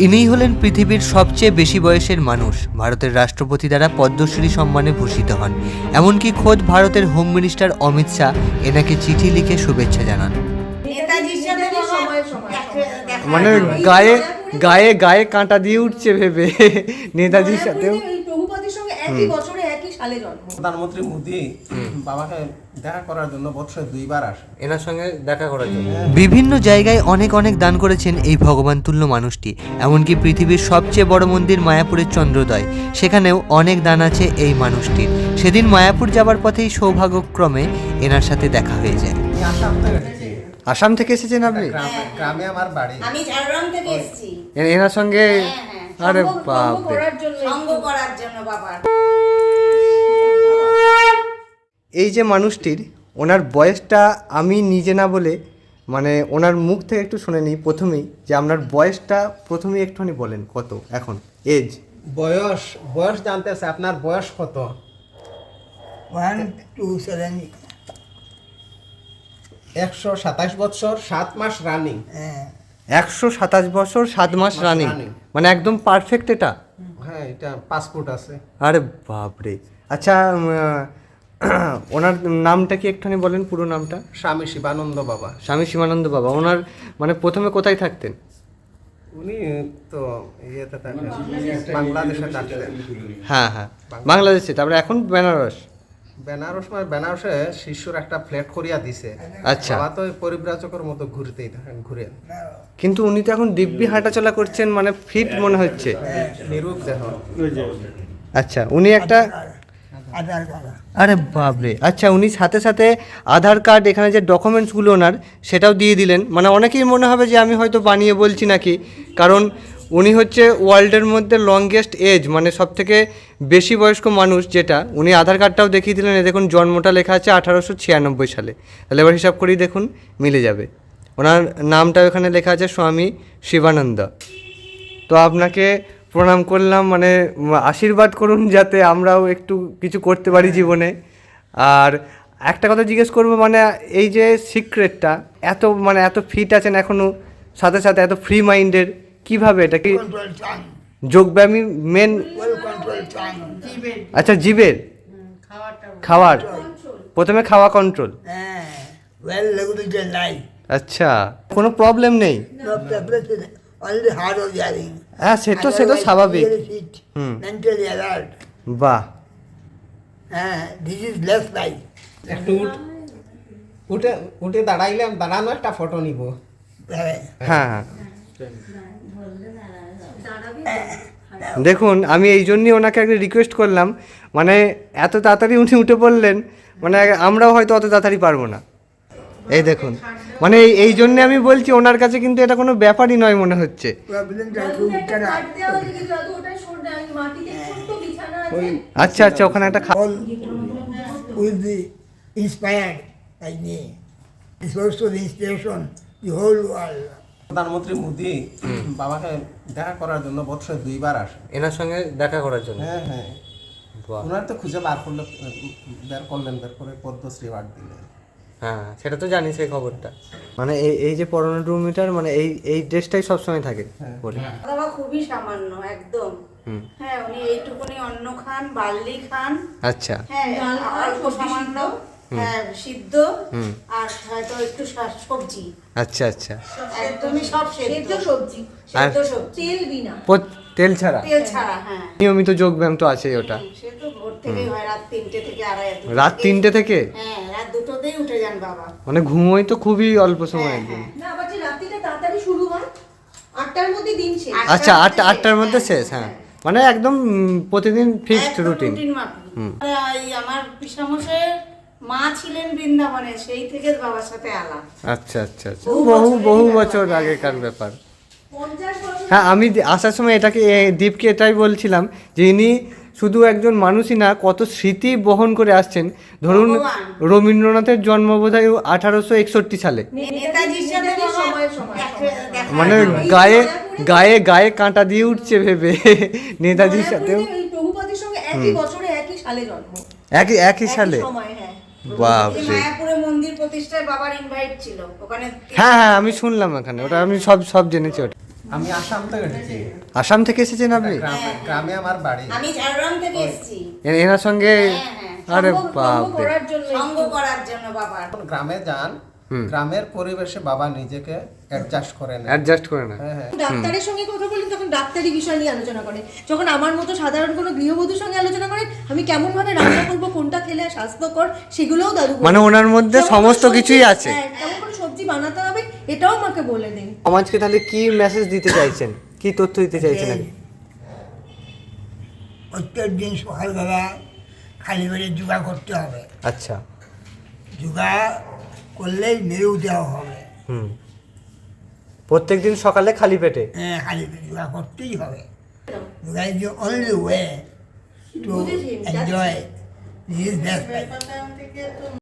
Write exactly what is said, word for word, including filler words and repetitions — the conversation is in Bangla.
ইনিই হলেন পৃথিবীর সবচেয়ে বেশি বয়সের মানুষ। ভারতের রাষ্ট্রপতি দ্বারা পদ্মশ্রী সম্মানে ভূষিত হন। এমনকি খোদ ভারতের হোম মিনিস্টার অমিত শাহ এনাকে চিঠি লিখে শুভেচ্ছা জানান। মানে গায়ে গায়ে গায়ে কাঁটা দিয়ে উঠছে ভেবে নেতাজির সাথেও। প্রধানমন্ত্রী মোদী বাবাকে দেখা করার জন্য বছরে দুইবার আসে, এনার সঙ্গে দেখা করার জন্য। বিভিন্ন জায়গায় অনেক অনেক দান করেছেন এই ভগবান তুল্য মানুষটি। এমনকি পৃথিবীর সবচেয়ে বড় মন্দির মায়াপুরের চন্দ্রোদয়, সেখানেও অনেক দান আছে এই মানুষটির। সেদিন মায়াপুর যাবার পথেই সৌভাগ্যক্রমে এনার সাথে দেখা হয়ে যায়। আসাম থেকে এসেছেন আপনি? গ্রামে আমার বাড়ি। আমি ঝাড়গ্রাম থেকে এসেছি এনার সঙ্গে। আরে বাপ রে, সঙ্গ করার জন্য বাবা। এই যে মানুষটির, ওনার বয়সটা আমি নিজে না বলে মানে ওনার মুখ থেকে একটু শুনে নিই প্রথমেই, যে আপনার বয়সটা প্রথমেই একটুখানি বলেন কত এখন এজ। বয়স বয়স জানতে আছে, আপনার বয়স কত? ওয়ান টু সেভেন একশো সাতাশ বছর সাত মাস রানিং। হ্যাঁ একশো সাতাশ বছর সাত মাস রানিং, মানে একদম পারফেক্ট এটা। হ্যাঁ, এটা পাসপোর্ট আছে। আরে বাপরে। আচ্ছা, ওনার নামটা কি একটুখানি বলেন, পুরো নামটা? স্বামী শিবানন্দ বাবা। স্বামী শিবানন্দ বাবা। ওনার মানে প্রথমে কোথায় থাকতেন? উনি তো ইয়েতে থাকেন, বাংলাদেশে থাকতেন। হ্যাঁ হ্যাঁ, বাংলাদেশে। তারপরে এখন বেনারস। বেনারস মানে বেনারসে শিশুর একটা ফ্ল্যাট করিয়া দিছে। আচ্ছা। বাবা তো পরিব্রাজকের মতো ঘুরতেই থাকেন, ঘুরে। কিন্তু উনি তো এখন দিব্যি হাঁটাচলা করছেন, মানে ফিট মনে হচ্ছে। নিরূপ দেহ। আচ্ছা, উনি একটা আধার কার্ড। আরে বাপরে। আচ্ছা, উনি সাথে সাথে আধার কার্ড, এখানে যে ডকুমেন্টসগুলো ওনার, সেটাও দিয়ে দিলেন। মানে অনেকেই মনে হবে যে আমি হয়তো বানিয়ে বলছি নাকি, কারণ উনি হচ্ছে ওয়ার্ল্ডের মধ্যে লংগেস্ট এজ, মানে সব থেকে বেশি বয়স্ক মানুষ যেটা। উনি আধার কার্ডটাও দেখিয়ে দিলেন। এ দেখুন, জন্মটা লেখা আছে আঠারোশো ছিয়ানব্বই সালে। তাহলে এবার হিসাব করেই দেখুন, মিলে যাবে। ওনার নামটাও এখানে লেখা আছে স্বামী শিবানন্দ। তো আপনাকে প্রণাম করলাম, মানে আশীর্বাদ করুন যাতে আমরাও একটু কিছু করতে পারি জীবনে। আর একটা কথা জিজ্ঞেস করবো, মানে এই যে সিক্রেটটা, এত মানে এত ফিট আছেন এখনও, সাথে সাথে এত ফ্রি মাইন্ডের, কিভাবে এটা কি? কন্ট্রোল টাং, যোগব্যায়ামী মেন। Well control tongue. আচ্ছা, জিভের খাওয়ার, প্রথমে খাওয়া কন্ট্রোল। হ্যাঁ, ওয়েল রেগুলেটেড লাইফ। আচ্ছা, কোনো প্রবলেম নেই? No preparation, only hard of hearing. হ্যাঁ, সেটা সেটা স্বাভাবিক। হুম। Mentally alert. বাহ। হ্যাঁ, দিস ইজ লেস লাইফ। একটু উঠ- উঠে উঠে দাঁড়াইলে দাঁড়ানো একটা ফটো নিব। হ্যাঁ হ্যাঁ হ্যাঁ, দেখুন, আমি এই জন্যই ওনাকে একটা রিকোয়েস্ট করলাম, মানে এত তাড়াতাড়ি উনি উঠে পড়লেন, মানে আমরাও হয়তো অত তাড়াতাড়ি পারবো না। এই দেখুন, মানে এই এই জন্যে আমি বলছি, ওনার কাছে কিন্তু এটা কোনো ব্যাপারই নয় মনে হচ্ছে। প্রবলেমটা একটু উঠতে না। আচ্ছা আচ্ছা, ওখানে একটা খা- All will be inspired by me. It's also the inspiration the whole world. প্রধানমন্ত্রী মোদী বাবাকে দেখা করার জন্য বছরে দুইবার আসে। এনার সঙ্গে দেখা করার জন্য। হ্যাঁ হ্যাঁ, বাহ। ওনার তো খুঁজে বার করলে বের করলেন, বের করে পদ্মশ্রী অ্যাওয়ার্ড দিলেন। হ্যাঁ, সেটা তো জানি, সেই খবরটা। মানে এই এই যে পরোনোমিটার, মানে এই এই ড্রেসটাই সবসময় থাকে পরে। বাবা খুবই সামান্য একদম। হুম। হ্যাঁ, উনি এইটুকুনি অন্ন খান, বার্লি খান। আচ্ছা। হ্যাঁ, অল্প সামান্য, হ্যাঁ, সিদ্ধ, আর হয়তো একটু শা- সবজি। আচ্ছা আচ্ছা। একদমই সব সেদ্ধ সবজি, আর সেদ্ধ সবজি, তেল বিনা, পো- তেল ছাড়া তেল ছাড়া। হ্যাঁ, নিয়মিত যোগব্যায়াম তো আছেই ওটা। সে তো ভোর থেকেই হয়, রাত তিনটে থেকে আড়াই। দুটো রাত থেকেই- তিনটে থেকে? হ্যাঁ, রাত দুটোতেই উঠে যান বাবা। মানে ঘুমোই তো খুবই অল্প সময় একদম। না, আবার যে রাত্রিটা তাড়াতাড়ি শুরু হয়, আটটার মধ্যে দিন শেষ। আচ্ছা, আটটা আটটার মধ্যে শেষ। হ্যাঁ, মানে একদম উম, প্রতিদিন ফিক্সড একদম রুটিন। রুটিন মাফিক। এই আমার পিসামশাইয়ের মা ছিলেন বৃন্দাবনে, সেই থেকে বাবার সাথে আলাপ। আচ্ছা আচ্ছা আচ্ছা, বহু বহু বছরের বহু ব্যাপার। বছর হ্যাঁ, আগেকার ব্যাপার। পঞ্চাশ বছর হ্যাঁ, আমি দি- আসার সময় এটাকে এ, দীপকে এটাই বলছিলাম যে ইনি শুধু একজন মানুষই না, কত স্মৃতি বহন করে আসছেন। ধরুন, ভগবান। রবীন্দ্রনাথের জন্ম বোধহয় আঠারোশো একষট্টি সালে। নেতাজির সাথে বাবা সময়ে সময়ে দেখা- দেখা মানে হয়। গায়ে গায়ে গায়ে কাঁটা দিয়ে উঠছে ভেবে নেতাজির সাথেও। মায়াপুরে এই প্রভুপাদের সঙ্গে একই বছরে একই সালে জন্ম, একই একই সালে। একই সময়। হ্যাঁ, এই বাপরে। মায়াপুরে মন্দির প্রতিষ্ঠায় বাবার ইনভাইট ছিল ওখানে। হ্যাঁ হ্যাঁ, আমি শুনলাম এখানে, ওটা আমি সব সব জেনেছি ওটা। আমি আসাম থেকে এসেছি। আসাম থেকে এসেছেন আপনি? গ্রামে গ্রামে আমার বাড়ি। আমি ঝাড়গ্রাম থেকে এসেছি এ- এনার সঙ্গে হ্যাঁ, হ্যাঁ। আরে সঙ্গ- বাপ সঙ্গ রে। করার জন্য সঙ্গ করার জন্য বাবার যখন গ্রামে যান, হুম। গ্রামের পরিবেশে বাবা নিজেকে অ্যাডজাস্ট করে নেন। অ্যাডজাস্ট করে না। হ্যাঁ হ্যাঁ ডাক্তারের সঙ্গে কথা বলেন তখন ডাক্তারি বিষয় নিয়ে আলোচনা করেন। যখন আমার মতো সাধারণ কোনো গৃহবধূর সঙ্গে আলোচনা করেন, আমি কেমন ভাবে রান্না করবো, কোনটা খেলে স্বাস্থ্যকর, সেগুলোও দাদু বলেন। মানে ওনার মধ্যে যেমন সমস্ত সবজি- কিছুই আছে। হ্যাঁ, কেমন করে সবজি বানাতে হবে এটাও আমাকে বলে দেন। সমাজকে তাহলে কি মেসেজ দিতে চাইছেন, কি তথ্য দিতে চাইছেন আপনি? প্রত্যেক দিন সকালবেলা খালি পেটে যোগা করতে হবে। আচ্ছা। যোগা করলেই মেরু দেওয়া হবে। হুম। প্রত্যেকদিন সকালে খালি পেটে? হ্যাঁ, খালি পেটে যোগা করতেই হবে। Yoga is the only way to বুঝেছি, এনজয় দিস বেস্ট লাইফ।